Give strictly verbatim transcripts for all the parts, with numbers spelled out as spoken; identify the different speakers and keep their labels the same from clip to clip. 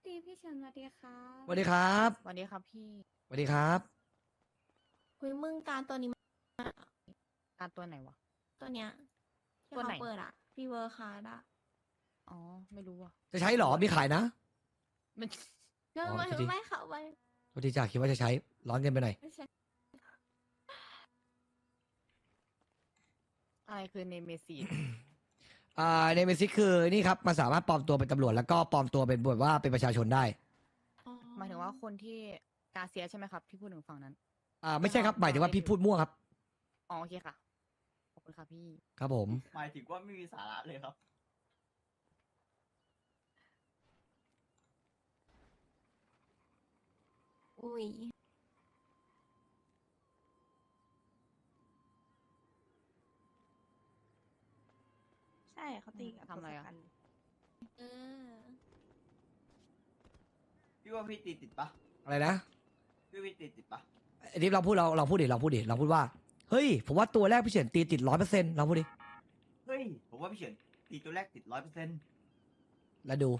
Speaker 1: ดีพี่เฉินสวัสดีค่ะ
Speaker 2: สวัสดีครับ
Speaker 3: สวัสดีครับพี่
Speaker 2: สวัสดีครับ
Speaker 4: คุยมึงการตัวนี้มา
Speaker 3: การตัวไหนวะ
Speaker 4: ตัวเนี้ยที่
Speaker 3: ตัวไหน
Speaker 4: เขาเปิดอะพี่เวอร์คาร์ดอะ
Speaker 3: อ๋อ ไม่รู้อ่ะ
Speaker 2: จะใช้เหรอ มีขายนะ
Speaker 3: มัน
Speaker 4: เรื่อง
Speaker 2: อ๋อ
Speaker 4: ไม่
Speaker 2: จริงๆ
Speaker 4: ไม่ค่ะไม่
Speaker 2: สวัสดีจ้าคิดว่าจะใช้ ร้อนเกินไปหน่อย
Speaker 4: ไม่ใช่
Speaker 3: อะไรคือเนเมซีด
Speaker 2: อ่าในเมซิกคือนี่ครับมันสามารถปลอมตัวเป็นตำรวจแล้วก็ปลอมตัวเป็นแบบว่าเป็นประชาชนได้
Speaker 4: อ๋อ
Speaker 3: หมายถึงว่าคนที่กาเซียใช่ไหมครับ ที่พูดถึงฝั่งนั้น
Speaker 2: อ่าไม่ใช่ครับหมายถึงว่าพี่พูดมั่วครับ
Speaker 3: อ๋อ โอเคค่ะ ขอบคุณครับพี่
Speaker 2: ครับผม
Speaker 5: หมายถึงว่าไม่มีสาระเลยครับ
Speaker 4: อุ้ย
Speaker 6: ใช่เขาตีกับ
Speaker 3: ทำอะไรอะ
Speaker 6: ทศกัณฐ์
Speaker 4: เออ
Speaker 5: พี่ว่าพี่ตีติดปะ
Speaker 2: อะไรนะ
Speaker 5: พี่ว่าพี่ตีติดปะ
Speaker 2: ไอ้ทิพย์เราพูดเราเราพูดดิเราพูดดิเราพูดว่าเฮ้ยผมว่าตัวแรกพี่เฉียนตีติดร้อยเปอร์เซ็นต์เราพูดดิ
Speaker 5: เฮ้ย ผมว่าพี่เฉินตีตัวแรกติดร้อยเปอร์เซ็นต์
Speaker 2: แล้วดู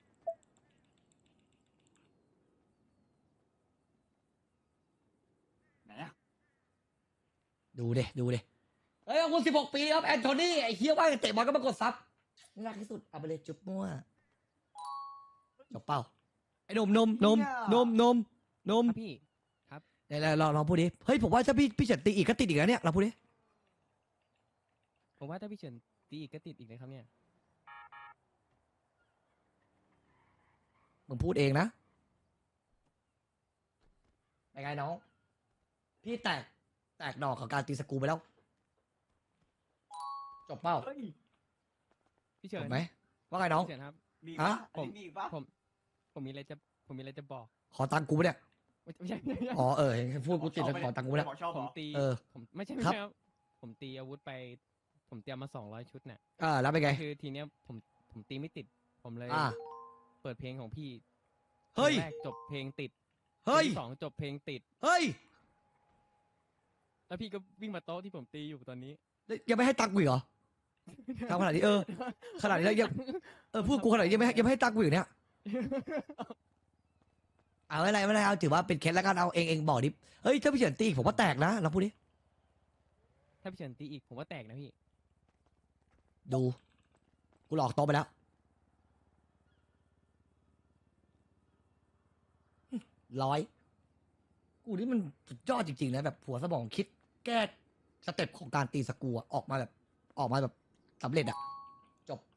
Speaker 5: ไหนอะ
Speaker 2: ดูเดดูเดเฮ้ยขอบคุณสิบหกปีครับแอนโทนีไอ้เฮียว่าเตะบอลก็มากดซับน่ารักที่สุดเอาไปเลยจุ๊บมั่วจบเป้าไอ้นมนมนมนมนมนม
Speaker 7: ครับพี่ ครับ
Speaker 2: เดี๋ยวลองลองพูดดิ เฮ้ยผมว่าถ้าพี่พี่เฉินตีอีกก็ติดอีกแล้วเนี่ยเราพูดดิ
Speaker 7: ผมว่าถ้าพี่เฉินตีอีกก็ติดอีกเลยครับเนี่ย
Speaker 2: มึงพูดเองนะเป็นไงน้อง พี่แตกแตกดอกกับการตีสกรูไปแล้ว จบเป้า
Speaker 5: เฮ้ย
Speaker 7: พี่
Speaker 2: จ
Speaker 7: เฉิน
Speaker 2: บไหมว่าไงน้อง
Speaker 7: พี่เฉินครับ
Speaker 5: มี
Speaker 2: ฮะ
Speaker 5: ปะอันนี้มีอีกปะ
Speaker 7: ผม ผมมีอะไรจะ ผมมีอะไรจะบอก
Speaker 2: ขอตังค์กูปะเนี่ย
Speaker 7: ไม่ไม่ใช่ไม่ใช่
Speaker 2: อ๋อเออเห็นพูดกูติดแล้วขอตังค์กูปะเนี่ย
Speaker 5: บอกชอบ
Speaker 7: ผ
Speaker 5: เหร
Speaker 7: ม
Speaker 5: อ
Speaker 7: ตี
Speaker 2: เออ
Speaker 7: ผมไม่ใช่ไม่
Speaker 2: ครับ
Speaker 7: ใช่ครับ ผมตีอาวุธไป ผมเตรียมมาสองร้อยชุดเนี่ย
Speaker 2: อ่าแล้วเป็นไง
Speaker 7: คือทีเนี้ยผม ผมตีไม่ติด ผมเลย
Speaker 2: อ่า
Speaker 7: เปิดเพลงของพี่
Speaker 2: เฮ้ย
Speaker 7: พลงแรกจบเพลงติด
Speaker 2: เฮ้ย
Speaker 7: พลงที่สองจบเพลงติด
Speaker 2: เฮ้ย
Speaker 7: แล้วพี่ก็วิ่งมาโต๊ะที่ผมตีอยู่ตอนนี้
Speaker 2: ยังไม่ให้ตังค์กูอีกเหรอทำขนาดนี้เออ ขนาดนี้แล้วยังเออพูดกูขนาดนี้ยังไม่ให้ยังไม่ให้ตังค์กูอยู่เนี่ย เอาอะไรไม่เป็นไรเอาถือว่าเป็นเคสแล้วกันเอาเองเองบอกดิ เฮ้ยถ้าพี่เฉินตีอีกผมว่าแตกนะเราพูดดิ
Speaker 7: ถ้าพี่เฉินตีอีกผมว่าแตกนะพี่
Speaker 2: ดู กูหลอกโตะไปแล้ว ร้อย กูนี่มันสุดยอดจริงๆนะแบบหัวสมองคิด แก้สเต็ปของการตีสกรูอะออกมาแบบ ออกมาแบบสำเร็จอะจบ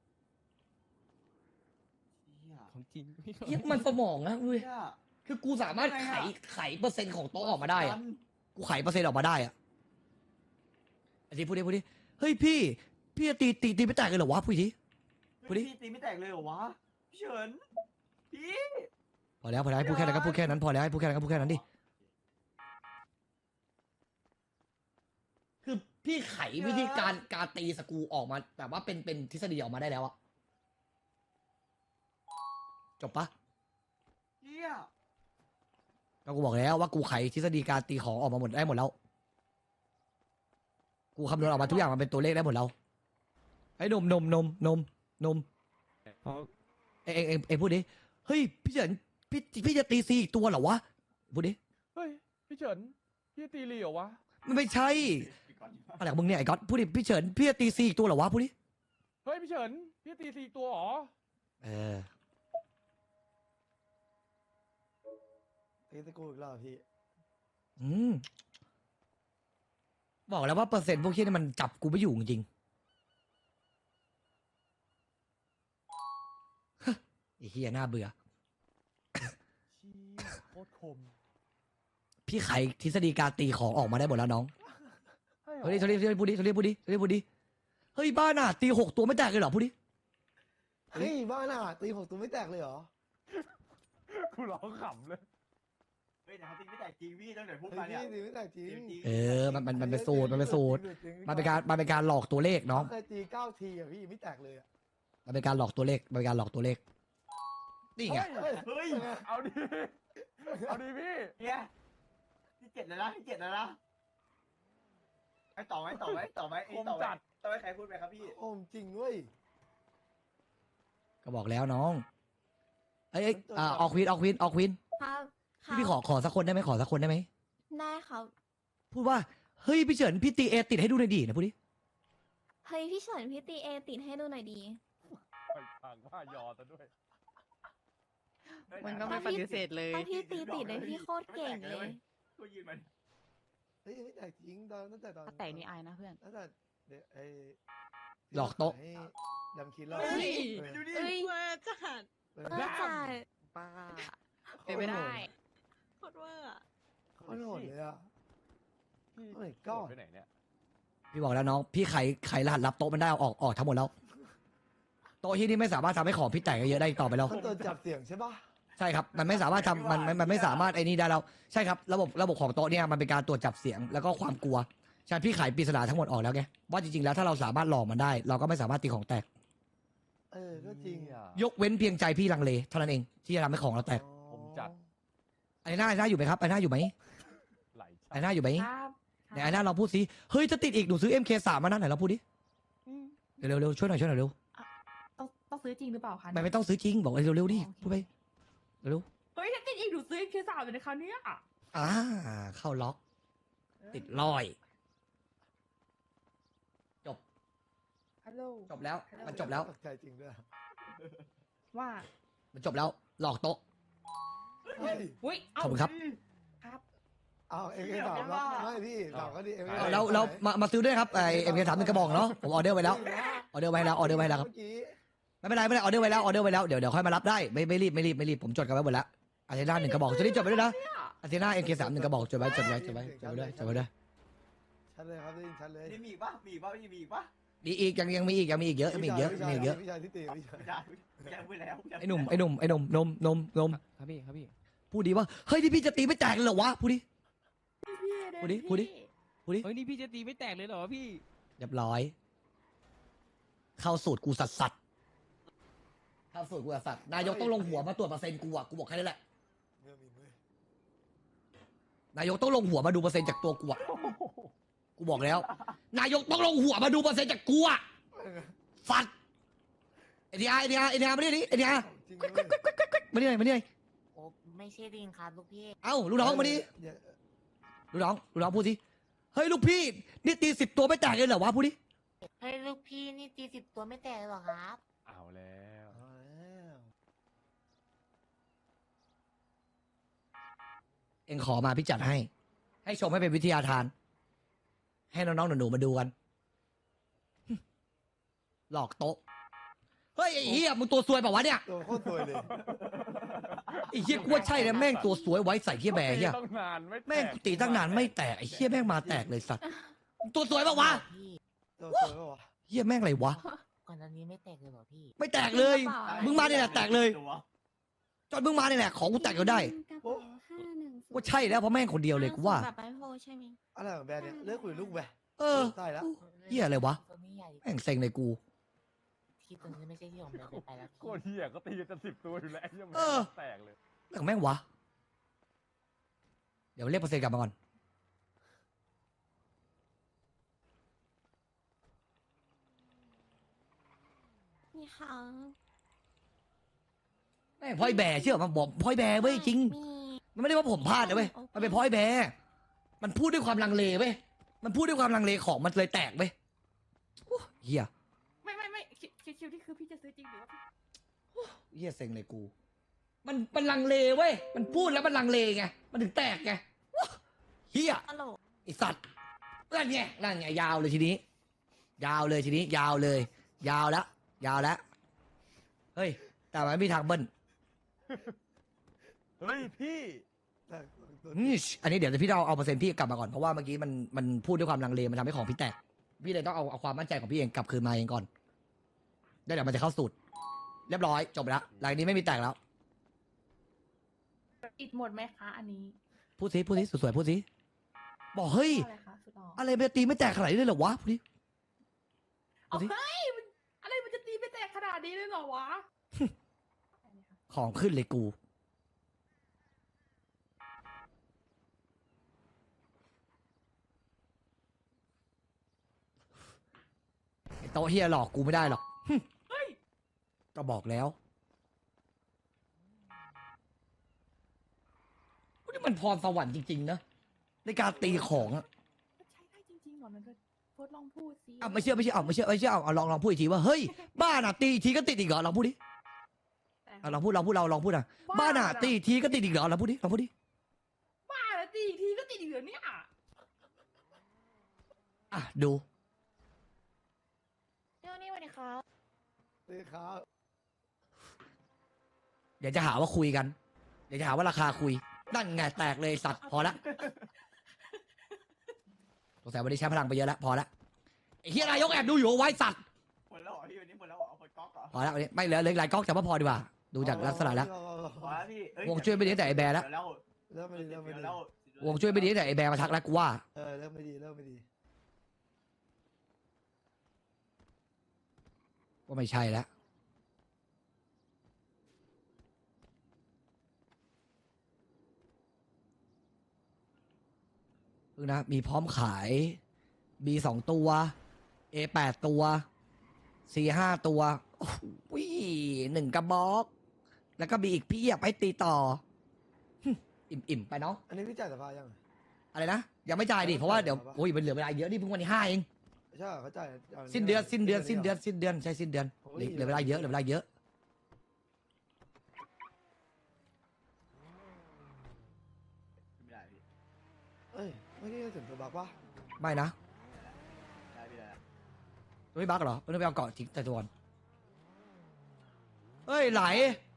Speaker 5: เหี้ย
Speaker 7: ของจริงพี่
Speaker 2: เฮียมันสมองนะเว้ย
Speaker 5: เหี้ย
Speaker 2: คือกูสามารถไขไขเปอร์เซ็นต์ของโต๊ะออกมาได้อะ
Speaker 5: น
Speaker 2: กูไขเปอร์เซ็นต์ออกมาได้อะไอ้ทีพูดดิพูดดิเฮ้ยพี่ พี่จะตีตีตีไม่แตกเลยเหรอวะพูดดิ พูดดิ
Speaker 5: พี่ตีไม่แตกเลยเหรอวะ พี่เฉิน พี่
Speaker 2: พอแล้วพอแล้วให้พูดแค่นั้นก็พูดแค่นั้นพอแล้วให้พูดแค่นั้นก็พูดแค่นั้นดิ คือพี่ไขวิธีการการตีสกรูออกมาแบบว่าเป็นเป็นทฤษฎีออกมาได้แล้วอะจบปะ
Speaker 5: เหี้ย
Speaker 2: ก็กูบอกแล้วว่ากูไขทฤษฎีการตีของออกมาหมดได้หมดแล้ว กูคำนวณออกมาทุกอย่างมันเป็นตัวเลขได้หมดแล้วไอ้นมนมนมนมนม
Speaker 7: เพราะ
Speaker 2: เอ็งเอ็งเอ็งเอ็งพูดดิเฮ้ยพี่เฉินพี่พี่จะตีซีอีกตัวเหรอวะพูดดิ
Speaker 8: เฮ้ย พี่เฉิน พี่ตีเหลียววะ
Speaker 2: มันไม่ใช่
Speaker 5: ปิดก่อนดีกว่า
Speaker 2: อะไรของมึงเนี่ยไอ้ก๊อตพูดดิพี่เฉินพี่จะตีซีอีกตัวเหรอวะพูดดิ
Speaker 8: เฮ้ย พี่เฉิน พี่ตีสี่ตัวเหรอ
Speaker 2: เออ
Speaker 9: ตีตะกูอีกแล้วเหรอพี่
Speaker 2: อืมบอกแล้วว่าเปอร์เซ็นต์พวกที่นี่มันจับกูไม่อยู่จริงๆ ไอ้เฮียน่าเบื่อ
Speaker 8: เชี่ยโคตรคม
Speaker 2: พี่ไขทฤษฎีการตีของออกมาได้หมดแล้วน้อง
Speaker 8: ให้เหรอ
Speaker 2: เฮ้ยโทรเรียกพูดดิโทรเรียกพูดดิโทรเรียกพูดดิเฮ้ยบ้าน่ะตีหกตัวไม่แตกเลยเหรอพูดดิ
Speaker 9: เฮ้ยบ้าน่ะตีหกตัวไม่แตกเลยเหรอ
Speaker 8: กูร้องขำเลย
Speaker 5: เฮ้ยแต่เขาตีไม่แตกจริงพี่ตั้งแต่พูด
Speaker 9: เฮ้
Speaker 5: มาย เนี่ย
Speaker 9: พี่ตีไม่แตกจริง
Speaker 5: จริงๆ
Speaker 2: เออมันมันมันเป็นสูตรมันเป็นสูตร
Speaker 9: จง
Speaker 2: มันเป็นการมันเป็นการหลอกตัวเลขน้อง
Speaker 9: เคยตีเก้าทีอ่ะพี่ไม่แตกเลยอ่ะ
Speaker 2: มันเป็นการหลอกตัวเลขมันเป็นการหลอกตัวเลขนี่ไง
Speaker 8: เฮ้ย
Speaker 5: เฮ้ย
Speaker 8: เอาดิ เอาดิพี่
Speaker 5: เนี่ยที่เจ็ดแล้วนะที่เจ็ดแล้วนะไอ้ต่อไหมต่อไหมต่อไหมไอ้ต่อไหมต่อไหมใครพูดไปครับพี่
Speaker 9: โอ้จริงเว้ย
Speaker 2: ก็บอกแล้วน้องเอ้ยเอ้ยอ่าออกควีนออกควีนออกควีน
Speaker 4: ครับค
Speaker 2: พี่
Speaker 4: รับ
Speaker 2: พี่ขอขอสักคนได้ไหมขอสักคนได้ไหม
Speaker 4: ได้ครับ
Speaker 2: พูดว่าเฮ้ยพี่เฉินพี่ตีเอติดให้ดูหน่อยดินะพูดดิ
Speaker 4: เฮ้ยพี่เฉินพี่ตีเอติดให้ดูหน่อยดี
Speaker 8: ไปทางว่ายอซะด้วย
Speaker 3: มันก็ไม่ปฏิเสธเลย
Speaker 4: ถ้าพี่ตีติดเลยพี่โคตรเก่งเลย
Speaker 5: กูยืนมัน
Speaker 9: เฮ้ยไม่แตกจริงตอนตั้งแต่ตอน
Speaker 3: ถ้าแตกนี่อายนะเพื่อน
Speaker 9: ตั้งแต่เดี๋ยวไอ้
Speaker 2: หลอกโต๊ะ
Speaker 9: ให้ดำคิดเรา
Speaker 4: เฮ้ย
Speaker 9: เออ
Speaker 5: ดูดิ
Speaker 4: เอ้ย
Speaker 6: เวอร์จัด
Speaker 9: เออ
Speaker 4: เออจ่าย
Speaker 3: ป้าเป็นไม่ได้
Speaker 6: โคตรเวอร์อะ
Speaker 9: โคตรโหดเลยอ่ะ
Speaker 8: พี่
Speaker 9: โอ้ my god
Speaker 8: ไปไหนเนี่ย
Speaker 2: พี่บอกแล้วน้องพี่ไขไขรหัสลับโต๊ะมันได้เอาออกออกทั้งหมดแล้วโต๊ะที่นี่ไม่สามารถทำให้ของพี่แตกเยอะได้อีกต่อไปแล้ว
Speaker 9: มันตัวจับเสียงใช่ปะ
Speaker 2: ใช่ครับมันไม่สามารถทำมันมันมันไม่สามารถไอ้นี่ได้แล้วใช่ครับระบบระบบของโต๊ะเนี่ยมันเป็นการตรวจจับเสียงแล้วก็ความกลัวใช่พี่ไขปริศนาทั้งหมดออกแล้วไงว่าจริงๆแล้วถ้าเราสามารถหลอกมันได้ เราก็ไม่สามารถตีของแตก
Speaker 9: เออก็จริง
Speaker 8: อ่ะ
Speaker 2: ยกเว้นเพียงใจพี่ลังเลเท่านั้นเองที่จะทำให้ของเราแตก
Speaker 8: ผมจัด
Speaker 2: ไอ้หน้าไอ้หน้าอยู่ไหมครับไอ้หน้าอยู่ไหม
Speaker 8: ไหล
Speaker 2: ไอ้หน้าอยู่ไหม
Speaker 6: ครับ
Speaker 2: ไหนไอ้หน้าเราพูดสิเฮ้ยจะติดอีกหนูซื้อ เอ็ม เค สามมานะไหนเราพูดดิเร็วๆเร็วๆช่วยหน่อยช่วยหน่อยเร็ว
Speaker 6: ต้องต้องซื้อจริงหรือเปล่าคะ
Speaker 2: ไม่ไม่ต้องซื้อจริงบอกเลยเร็วๆดิพูดไปเร็ว
Speaker 6: เฮ้ยถ้าติดอีกหนูซื้อแค่สามเลยนะคะเนี่ย
Speaker 2: ๆอ่าเข้าล็อก ติดลอย จบ
Speaker 6: ฮัลโหล
Speaker 2: จบแล้วมันจบแล้ว
Speaker 9: ตกใจจริงด้วย
Speaker 6: ว่า
Speaker 2: มันจบแล้วหลอกโต๊ะ
Speaker 9: เฮ้ย
Speaker 6: อุ้ย
Speaker 2: ขอบคุณครับ
Speaker 6: ครับ
Speaker 9: เอาเอ็มเคสามแล้วไม่พี่สามก็ดีเอ็มเค
Speaker 2: เอาแล้วแล้วมามาซื้อด้วยครับไอเอ็มเคสามหนึ่งกระบอกเนาะผมออเดอร์ไว้แล้วออเดอร์ไว้แล้วออเดอร์ไว้แล้วครับ
Speaker 9: เมื่อกี้
Speaker 2: ไม่เป็นไรไม่เป็นไรออเดอร์ไว้แล้วออเดอร์ไว้แล้วเดี๋ยวเดี๋ยวค่อยมารับได้ไม่ไม่รีบไม่รีบไม่รีบผมจดกันไว้หมดแล้วอาเทน่าหนึ่งกระบอกจะได้จดไว้ด้วยนะอาเทน่าเอ็มเคสามหนึ่งกระบอกจดไว้จดไว้จดไว้จดไว้ด้วยจดไว้ด้วย
Speaker 9: ชัดเลยครับได้ยินชัดเลย
Speaker 5: นี่มีอีกปะมีอีกปะมีอีกปะ
Speaker 2: มีอีกยังยังมีอีกยังมีอีกเยอะมีอีกเยอะมีอีกเยอะ
Speaker 9: พี่ชายที่ตีพี่ชาย
Speaker 5: ไม่ได้แกพูดแล้ว
Speaker 2: ไอ้หนุ่มไอ้หนุ่มไอ้หนุ่มนมนมนม
Speaker 7: ครับพี่ครับพี่
Speaker 2: พูดดีว่าเฮ้ยที่พี่จะตีไม่แตกเลยเหรอวะพูดดิ พูดดิพูดดิ พูดดิ
Speaker 7: เฮ้ยนี่พี่จะตีไม่แตกเลยเหรอพี่
Speaker 2: เรียบร้อย เข้าสูตรกูสัสสัสเข้าสูตรกูสัสสัสนายกต้องลงหัวมาตรวจเปอร์เซ็นต์กูอะกูบอกแค่นี้แหละ
Speaker 9: เมื่อมีมือน
Speaker 2: ายกต้องลงหัวมาดูเปอร์เซ็นต์จากตัวกูอะกูบอกแล้ว นายกต้องลงหัวมาดูเปอร์เซ็นต์จากกูอะสัตว์ไอเดียไอเดียไอเดียมาดิดิไอเดีย
Speaker 9: จริงเลย
Speaker 2: มาดิหน่อยมาดิหน่อย
Speaker 1: โอ้ไม่ใช่ดิงครับลูกพี่
Speaker 2: เอ้าลูกน้องมาดิ
Speaker 9: อย่า
Speaker 2: ลูกน้องลูกน้องพูดสิเฮ้ยลูกพี่นี่ตีสิบตัวไม่แตกเลยเหรอวะพูดดิ
Speaker 1: เฮ้ยลูกพี่นี่ตีสิบตัวไม่แตกเลยเหรอครับ
Speaker 8: เอาแล้ว
Speaker 9: เอาแล้ว
Speaker 2: เอ็งขอมาพี่จัดให้ ให้ชมให้เป็นวิทยาทาน ให้น้องๆหนูๆมาดูกัน หลอกโต๊ะเฮ้ยไอ้เหี้ยมึงตัวซวยเปล่าวะเนี่ย
Speaker 9: ตัวโคตรสวยเลย
Speaker 2: ไอ้เหี้ยกูว่าใช่นะแม่งตัวสวยไว้ใส่เหี้ยแบร์เหี้ย
Speaker 8: ต้องนานไม่ตก
Speaker 2: แม่งกูตีตั้งนานไม่แตกไอ้เหี้ยแม่งมาแตกเลยสัตว์ตัวสวยเปล่าวะ
Speaker 1: พี่
Speaker 9: ตัวสวยปะวะ
Speaker 2: เหี้ยแม่งอะไรวะ
Speaker 1: ก่อนอันนี้ไม่แตกเลยเหรอพี่
Speaker 2: ไม่แตกเลย
Speaker 4: กระเป๋า
Speaker 2: มึงมาเนี่ยแหละแตกเลย
Speaker 5: ตัว
Speaker 2: จนมึงมาเนี่ยแหละของกูแตกก็ได้
Speaker 4: กระเป๋าห้าหนึ่งศูนย์
Speaker 2: ว่าใช่แล้วเพราะแม่งคนเดียวเลยกูว่า
Speaker 4: แบบไอโฟใช่ไหม
Speaker 9: อะไรของแบรนด์เนี่ยเลิกคุยลูกแบ
Speaker 2: เออ
Speaker 9: ตายแล้ว
Speaker 2: เหี้ยอะไรวะ
Speaker 1: ตัวนี้ใหญ่
Speaker 2: แม่งเซ็งเลยกู
Speaker 1: ที่ตัวนี้ไม่ใช่ที่ผมเดินไปแล้ว
Speaker 8: โคตรเหี้ยก็ตีกันจะสิบตัวอยู่แล้วไอ้เหี้ยัง
Speaker 2: เออ
Speaker 8: แตกเลย
Speaker 2: เรื่องแม่งวะ เดี๋ยวเรียกเปอร์เซ็นต์กลับมาก่อน
Speaker 4: นี่ค่ะ
Speaker 2: แม่งพลอยแบร์เชื่อมันบอกพลอยแบร์เว้ยจริง
Speaker 4: มี
Speaker 2: มันไม่ได้ว่าผมพลาดนะเว้ย มันเป็นพลอยแบร์มันพูดด้วยความลังเลเว้ย มันพูดด้วยความลังเลของมันเลยแตกเว้ยโอ้เฮีย
Speaker 6: ไม่ไม่ไม่คิวคิวคิวที่คือพี่จะซื้อจริงหรือว่าพี่
Speaker 2: เฮียเซ็งเลยกู มันมันลังเลเว้ย มันพูดแล้วมันลังเลไง มันถึงแตกไงว้าเฮีย
Speaker 4: ตลก
Speaker 2: ไอสัตว์นั่นไงนั่นไงยาวเลยทีนี้ ยาวเลยทีนี้ ยาวเลย ยาวแล้ว ยาวแล้ว เฮ้ย แต่มันไม่มีทางเบิ้ล
Speaker 8: เฮ้ยพี่
Speaker 9: แต่ตัว
Speaker 2: อืมอันนี้เดี๋ยวพี่ต้องเอาเปอร์เซ็นต์พี่กลับมาก่อนเพราะว่าเมื่อกี้มันมันพูดด้วยความลังเลมันทำให้ของพี่แตก พี่เลยต้องเอาเอาความมั่นใจของพี่เองกลับคืนมาเองก่อนแล้วเดี๋ยวมันจะเข้าสูตร เรียบร้อยจบแล้วหลังนี้ไม่มีแตกแล้ว
Speaker 6: ติดหมดไหมคะ อันนี้
Speaker 2: พูดสิพูดสิสวยๆพูดสิบอกเฮ้ย
Speaker 6: อะไรคะสุดหล่อ
Speaker 2: อะไรไปตีไม่แตกขนาดนี้เลยเหรอวะพูดดิ
Speaker 6: เอา
Speaker 2: ดูสิ
Speaker 6: เฮ้ยมันอะไรมันจะตีไม่แตกขนาดนี้เลยเหรอวะ
Speaker 2: ของขึ้นเลยกูไอโต๊ะเฮียหลอกกูไม่ได้หรอกหึ
Speaker 6: เฮ้ย
Speaker 2: ก็บอกแล้วมันพรสวรรค์จริงๆนะในการตีของอะ
Speaker 6: ใช้ได้จริงๆเหรอมันก็โพสต์ลองพูดสิ
Speaker 2: อ่ะไม่เชื่อไม่เชื่อเอาไม่เชื่อไม่เชื่อเอาเอาลองลองพูดอีกทีว่าเฮ้ยบ้านอ่ะตีอีกทีก็ติดอีกเหรอลองพูดดิ
Speaker 6: แต่
Speaker 2: อ่ะลองพูดลองพูดเราลองพูดอ่ะบ้านอ่ะตีอีกทีก็ติดอีกเหรอลองพูดดิลองพูดดิ
Speaker 6: บ้าแล้วตีอีกทีก็ติดอีกเหรอเนี่ย
Speaker 2: อ่ะดู
Speaker 4: เดี๋ยวนี้สวัสดีครับ
Speaker 9: ตีครับ
Speaker 2: เดี๋ยวจะหาว่าคุยกัน เดี๋ยวจะหาว่าราคาคุย นั่นไงแตกเลยสัตว์พอละสงสัยวันนี้ใช้พลังไปเยอะแล้วพอละไอ้เฮียนายกแอบดูอยู่เอาไว้สัตว์
Speaker 5: หมดแล้วเหรอพี่วันนี้หมดแล้วเหรอหมดก๊อกเหรอ
Speaker 2: พอละวันนี้ไม่เหลือเหลืออีกหลายก๊อกแต่ว่าพอดีกว่า ดูจากลักษณะแล้ว
Speaker 5: พอแล้วพี่เอ้
Speaker 2: วงช่วยไม่ดีตั้งแต่ไอ้แบร์แล้ว
Speaker 5: เดี๋ยว
Speaker 9: เริ่มไม่ดี
Speaker 5: เดี๋
Speaker 9: เริ่
Speaker 5: ยว
Speaker 9: มไม่ดี
Speaker 5: แล้ว
Speaker 2: วงช่วยไม่ดีตั้งแต่ไอ้แบร์มาทักแล้วกูว่า
Speaker 9: เออเริ่มไม่ดีเริ่มไม่ดี
Speaker 2: ว่าไม่ใช่แล้วพึ่งนะมีพร้อมขาย B สองตัว A แปดตัว C ห้าตัวโอ้โหหนึ่งกระบอก แล้วก็มีอีกพี่อยากให้ตีต่อหึอิ่มๆไปเนาะ
Speaker 9: อันนี้พี่จ่ายสภายัง
Speaker 2: อะไรนะ ยังไม่จ่ายดิ เพราะว่าเดี๋ยว
Speaker 9: จ่ายแล้วปะ
Speaker 2: โอ้ยมันเหลือเวลาเยอะนี่เพิ่งวันที่ห้าเอง
Speaker 9: ใช่เหรอเขาจ่ายา
Speaker 2: สิ้นเดือนสิ้นเดือนสิ้นเดือนสิ้นเดือนใช่สิ้นเดือนเหลือเหลือเวลาเยอะเหลือเวลาเยอะ
Speaker 5: ไม่ได้พี่
Speaker 9: เอ้ยไม่ได้ถึงตัวบักปะ
Speaker 2: ไม่นะ
Speaker 5: ได้พี่ได้
Speaker 2: ไม่บักเหรอไม่ต้องไปเอาเกาะทิ้งแต่ตัวก่อนเฮ้ยไหล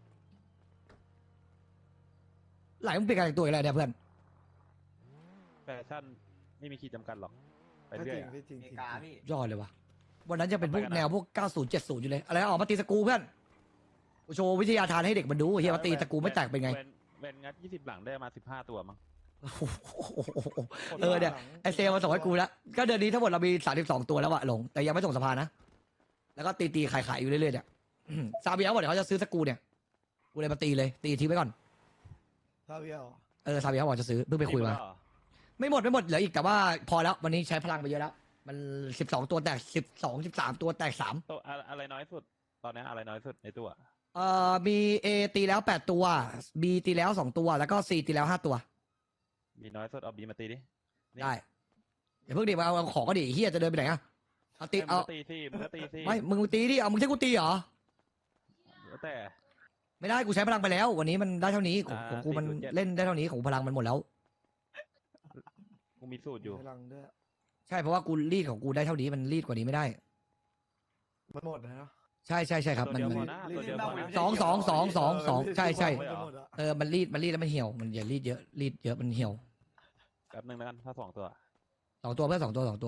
Speaker 2: ไหลมึงเป็นการแต่งตัวอะไรเนี่ยเพื่อน
Speaker 8: แฟชั่นไม่มีขีดจำกัดหรอก ไป
Speaker 9: ไม่
Speaker 8: เรื่
Speaker 9: จ
Speaker 8: อ
Speaker 9: ริ
Speaker 8: ย
Speaker 9: ง
Speaker 8: อะ
Speaker 9: พี่จริง
Speaker 5: เม
Speaker 9: จริง
Speaker 5: กาพี่
Speaker 2: ยอดเลยวะวันนั้นจะเป็นพวก
Speaker 8: ไปกันนะ
Speaker 2: แนวพวกเก้าสิบ เจ็ดสิบอยู่เลย อะไรนะออกมาตีสกรูเพื่อนกูโชว์วิทยาทานให้เด็กมันดูเฮียมาตีสกรูไม่แตกเป็นไง
Speaker 8: เวนเวนงัดยี่สิบหลังได้มาสิบห้าตัวมั้ง
Speaker 2: โอ้โหเออเนี่ยไอเซลมาส่งให้กูแล้วก็เดือนนี้ทั้งหมดเรามีสามสิบสองตัวแล้วอะหลงแต่ยังไม่ส่งสภานะแล้วก็ตีตีขายขายอยู่เรื่อยๆเนี่ยอืมซาเบียบอกเดี๋ยวเขาจะซื้อสกรูเนี่ยกูเลยมาตีเลยตีทิ้งไว้ก่อน
Speaker 9: ซาเวียเหรอ
Speaker 2: เออซาเบียบอกจะซื้อเพิ่งไปคุยมา
Speaker 8: จริงปะเหรอ
Speaker 2: ไม่หมดไม่หมดเหลืออีกแต่ว่าพอแล้ววันนี้ใช้พลังไปเยอะแล้ว มันสิบสองตัวแตกสิบสองสิบสามตัวแตกสาม
Speaker 8: ตัวอะอะไรน้อยสุด ตอนนี้อะไรน้อยสุดในตัว
Speaker 2: เอ่อมี A ตีแล้วแปดตัว B ตีแล้วสองตัวแล้วก็ C ตีแล้วห้าตัว
Speaker 8: มีน้อยสุดเอาบีมาตีดินี่
Speaker 2: ได้เดี๋ยวเพิ่งดิมาเอาของก็ดิเฮียจะเดินไปไหนอะเอาตี
Speaker 8: เอ้ยมึ
Speaker 2: เอา
Speaker 8: งก็ตีสิมึงก็ตีสิ
Speaker 2: ไม่มึงตีดิเอามึงใช่กูตีเหรอ
Speaker 8: แล้วแต่
Speaker 2: ไม่ได้กูใช้พลังไปแล้ว วันนี้มันได้เท่านี้ของ
Speaker 8: อ่า
Speaker 2: ของกูมัน
Speaker 8: สี่ศูนย์เจ็ด
Speaker 2: เล่นได้เท่านี้ของพลังมันหมดแล้ว
Speaker 8: กูมีสูตรอยู่
Speaker 9: พลังด้วย
Speaker 2: ใช่เพราะว่ากูรีดของกูได้เท่านี้มันรีดกว่านี้ไม่ได้
Speaker 9: มันหมดนะเนาะ
Speaker 2: ใช่ใช่ใช่ครับ
Speaker 8: ตัว
Speaker 2: มัน
Speaker 8: เดียว
Speaker 2: มัน
Speaker 8: พอนะตัวเดียวพอนะ
Speaker 2: สองสองสองสองสองใช่ใช่
Speaker 9: มันจะหมดอะ
Speaker 2: เออมันรีดมันรีดแล้วมันเหี่ยวมันอย่ารีดเยอะรีดเยอะมันเหี่ยว
Speaker 8: แป๊บนึงแล้วกันถ้าสองตัว
Speaker 2: สองตัวเพื่อสองตัวสองตัว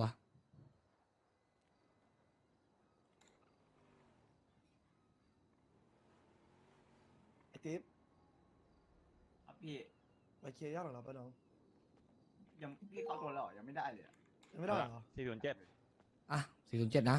Speaker 9: ไอ้ติ๊บ
Speaker 5: ครับพี่
Speaker 9: ไปเคลียร์ยอดของเราปะน้อง
Speaker 5: ยังพี่เข้าตัวแล้วเหรอยังไม่ได้เลยอะ
Speaker 9: ยังไม่ได้เหรอ
Speaker 8: สี่ศูนย์เจ็ด
Speaker 2: อ่ะสี่ศูนย์เจ็ดนะ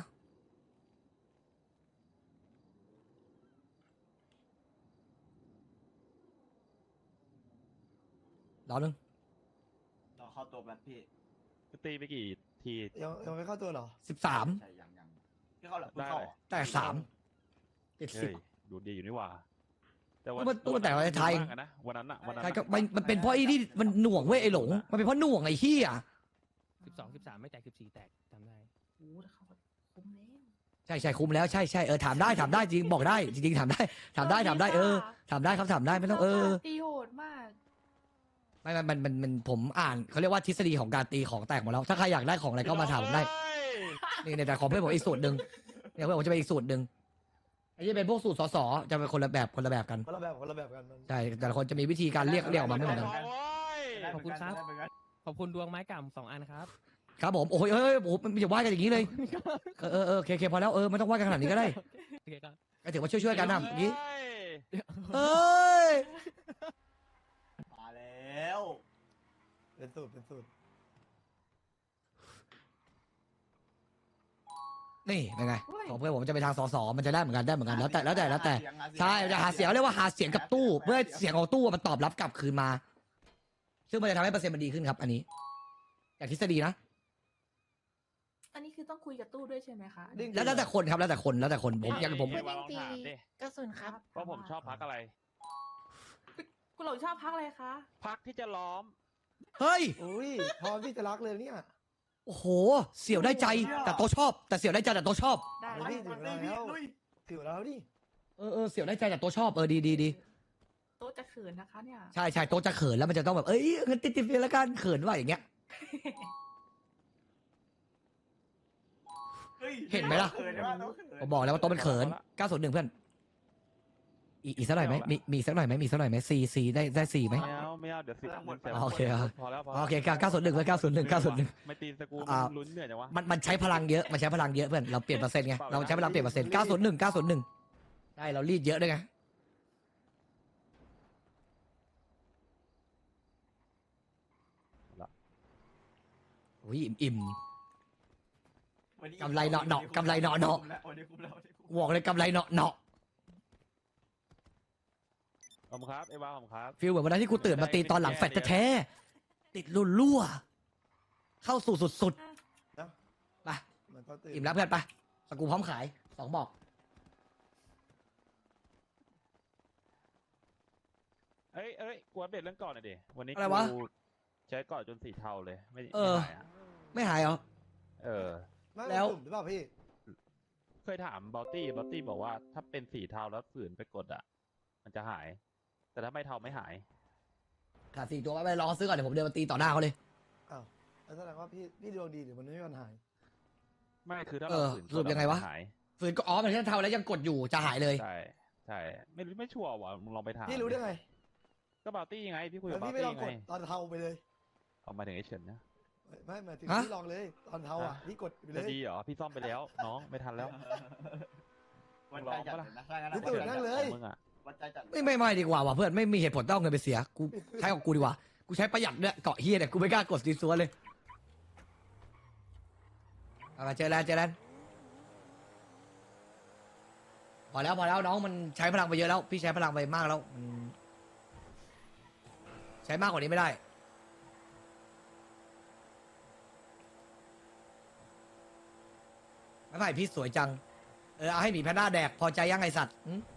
Speaker 2: รอหนึ่ง
Speaker 5: เราเข้าตัวแบบพี่
Speaker 8: ตีไปกี่ที
Speaker 9: ยังยังไม่เข้าตัวเหรอ
Speaker 2: สิบสาม
Speaker 5: ใช่ยังยังพี่เข้าหรอพี่เข้าเหรอ
Speaker 2: แตกสามเจ็ดสิบ
Speaker 8: เฮ้ยดูดีอยู่นี่หว่า แต่
Speaker 2: มันตัวแต่ว่าไทย
Speaker 8: มากอะนะวันนั้นอะวันนั้น
Speaker 2: ใช่
Speaker 8: อะ
Speaker 2: ก็มันมันเป็นเพราะไอ้นี่มันหน่วงเว้ยไอ้หลงมันเป็นเพราะหน่วงไอ้เหี้ย
Speaker 7: สิบสองสิบสามไม่แตกสิบสี่แตกจำได้
Speaker 6: โอ้ถ้าเขาคุ้มแล้ว
Speaker 2: ใช่ใช่คุ้มแล้วใช่ใช่เออถามได้ถามได้จริงบอกได้จริงๆถามได้ถามได้ถามได้เออถามได้ครับถามได้ไม่ต้องเออ
Speaker 6: ตีโหดมาก
Speaker 2: ไม่มันมันมันมันผมอ่านเขาเรียกว่าทฤษฎีของการตีของแตกหมดแล้ว ถ้าใครอยากได้ของอะไรก็มาถามผมได้ นี่ในแต่ของเพื่อนผมอีกสูตรหนึ่งเนี่ยเพื่อนผมจะเป็นอีกสูตรหนึ่งไอ้ที่เป็นพวกสูตรสอสอจะเป็นคนละแบบคนละแบบกัน
Speaker 9: คนละแบบคนละแบบกันมัน
Speaker 2: ใช่แต่ละคนจะมีวิธีการเรียกเรียกออกมาไม่เหมือนกัน
Speaker 5: ได้
Speaker 7: ขอบคุณครับ
Speaker 5: ได้เหมือนกัน
Speaker 7: ขอบคุณดวงไม้กำสองอันครับ
Speaker 2: ครับผมโอ้ยเอ้ยโอ้โหมันอย่าว่ากันอย่างนี้เลยเออเออเออโอเคโอเคพอแล้วเออไม่ต้องว่ากันขนาดนี้ก็ได้
Speaker 7: โอเคครับ
Speaker 2: ก็ถือว่าช่วยๆกันนะเมื่อกี้
Speaker 8: เฮ้ย
Speaker 2: เอ้ย
Speaker 5: มาแล้ว
Speaker 9: เป็นสูตรเป็นสูตร
Speaker 2: นี่เป็นไงของเพื่อนผมจะไปทางสอสอมันจะได้เหมือนกันได้เหมือนกันแล้วแต่แล้วแต่แล้วแต่ใช่มันจะหาเสียงเรียกว่าหาเสียงกับตู้เพื่อให้เสียงของตู้มันตอบรับกลับคืนมา ซึ่งมันจะทำให้เปอร์เซ็นต์มันดีขึ้นครับ อันนี้จากทฤษฎีนะ
Speaker 6: อันนี้คือต้องคุยกับตู้ด้วยใช่ไหมคะ
Speaker 9: ดิ้ง
Speaker 2: แล้วแล้วแต่คนครับแล้วแต่คนแล้วแต่คนผมอย่างผม
Speaker 8: เอ้ย วางคำถามดิ
Speaker 1: กระสุนครับ
Speaker 8: ว่าผมชอบพักอะไร
Speaker 6: คุณหลงชอบพักอะไรคะ
Speaker 8: พักที่จะล้อม
Speaker 2: เฮ้ย
Speaker 9: อุ้ยพร้อมที่จะรักเลยเนี่ย
Speaker 2: โอ้โห เสี่ยวได้ใจ แต่โตะชอบ แต่เสี่ยวได้ใจแต่โตะชอบ
Speaker 6: ได้
Speaker 9: เฮ้ยถึงแล้วถึงแล้วดิ
Speaker 2: เออเออเสี่ยวได้ใจแต่โตะชอบ เออดีดีดี
Speaker 6: โต๊ะจะเขินนะคะเนี่ย
Speaker 2: ใช่ใช่โตะจะเขินแล้วมันจะต้องแบบ เอ้ยเงินติดติดเฟียแล้วกันเขินว่าอย่างเงี้ย เห็นไหมล่ะ
Speaker 5: เขินว่าต้องเขิน
Speaker 2: ผมบอกแล้วว่าโตะมันเขินเก้าศูนย์หนึ่งเพื่อน อีกอีกสักหน่อยไหมมีมีสักหน่อยไหมมีสักหน่อยไหมซีซีได้ได้ซีไหม
Speaker 8: ไม่เอาไม่เอาเดี๋ยวสิ
Speaker 2: อ๋อโอเคอ่ะ
Speaker 8: พอแล้วพอ
Speaker 2: โอเคเก้าศูนย์หนึ่งเพื่อนเก้าศูนย์หนึ่งเก้าศูนย์หนึ่ง
Speaker 8: ไม่ตีสกู
Speaker 2: อ่า
Speaker 8: ลุ้นเหนื่อยจังวะ
Speaker 2: มันมันใช้พลังเยอะ มันใช้พลังเยอะเพื่อน เราเปลี่ยนเปอร์เซ็นต์ไง เราใช้พลังเปลี่ยนเปอร์เซ็นต์เก้าศูนย์หนึ่งเก้าศูนย์หนึ่งได้เรารีดเยอะด้วยไง อุ้ยอิ่มอิ่ม
Speaker 5: วันนี้
Speaker 2: กำไรเนาะเนาะกำไรเนาะเนาะ
Speaker 5: วันนี้คุ้มแล้ววันนี้คุ้ม
Speaker 2: บอกเลยกำไรเนาะเนาะ
Speaker 8: ขอบคุณครับเอวาขอบคุณครับ
Speaker 2: ฟีลเหมือนวันนั้นที่กูตื่นมาตีตอนหลังแฟดแท้ๆติดรุ่นรั่วเข้าสู่สุดๆ
Speaker 9: นะ
Speaker 2: ไป
Speaker 9: มันก็ตื่น
Speaker 2: อิ่มแล้วเพื่อนไปสกูพร้อมขายสองบอก
Speaker 8: เอ้ยเอ้ยกูอัปเดตเรื่องก่อนหน่อยดิวันนี้
Speaker 2: อะไรวะ
Speaker 8: กูใช้ก่อนจนสีเทาเลยไม่
Speaker 2: เออ
Speaker 8: ไม่หายอะ
Speaker 2: ไม่หายเหรอ
Speaker 8: เออ
Speaker 9: ไม่
Speaker 2: แล้ว
Speaker 9: ตุ่มหรือเปล่าพี่
Speaker 8: เคยถามบอตตี้บอตตี้บอกว่าถ้าเป็นสีเทาแล้วฝืนไปกดอ่ะ มันจะหาย แต่ถ้าไม่เทาไม่หาย
Speaker 2: ขาดสี่ตัวไปลองซื้อก่อนเดี๋ยวผมเดินมาตีต่อหน้าเขาเลย
Speaker 9: อ้าวแล้วแสดงว่าพี่พี่ดวงดีหรือมันไม่มีปัญหา
Speaker 8: ไม่คือถ้า
Speaker 2: เอ
Speaker 8: เรา
Speaker 2: อ
Speaker 8: ฝืน
Speaker 2: สรุปยังไงวะ
Speaker 8: มันจหาย
Speaker 2: ฝืนก็อ๋อมันแค่เทาแล้วยังกดอยู่จะหายเลย
Speaker 8: ใช่ใช่ไม่รู้ไม่ชัวร์ว่ะมึงลองไปถาม
Speaker 9: พี่รู้ได้ไง
Speaker 8: ก็บอตตี้ไงพี่คุย
Speaker 9: แล้
Speaker 8: กับ
Speaker 9: ว
Speaker 8: บอ
Speaker 9: พี่
Speaker 8: ต
Speaker 9: ไม่ล
Speaker 8: ตี้
Speaker 9: อง
Speaker 8: ไง
Speaker 9: กดตอนเทาไปเลย
Speaker 8: เอามาถึงไอ้เฉินนะ
Speaker 9: ไม่หมายถึง
Speaker 2: ฮะ
Speaker 9: พี่ลองเลยตอนเทาอ่ะพี่กดไปเล
Speaker 8: จะ
Speaker 9: ย
Speaker 8: ดีเหรอพี่ซ่อมไปแล้ว น้องไม่ทันแล้ว
Speaker 5: วันใจจัดเลยนะถ้างั้น
Speaker 9: พี่ตื่นนั่งเลย
Speaker 8: ของมึงอ่ะ
Speaker 5: วันใจจัด
Speaker 2: ไม่ไม่ไม่ดีกว่าว่ะเพื่อนไม่มีเหตุผลต้องเอาเงินไปเสียกูใช้ของกูดีกว่ากูใช้ประหยัดเนี่ยเกาะเฮียเนี่ยกูไม่กล้ากดซีซัวเลยเอามาเจอแล้วเจอแล้วพอแล้วพอแล้วน้องมันใช้พลังไปเยอะแล้ว พี่ใช้พลังไปมากแล้วมันใช้มากกว่านี้ไม่ได้ไม่ไม่พี่สวยจังเออเอาให้หมีแพนด้าแดกพอใจยังไงสัตว์หึ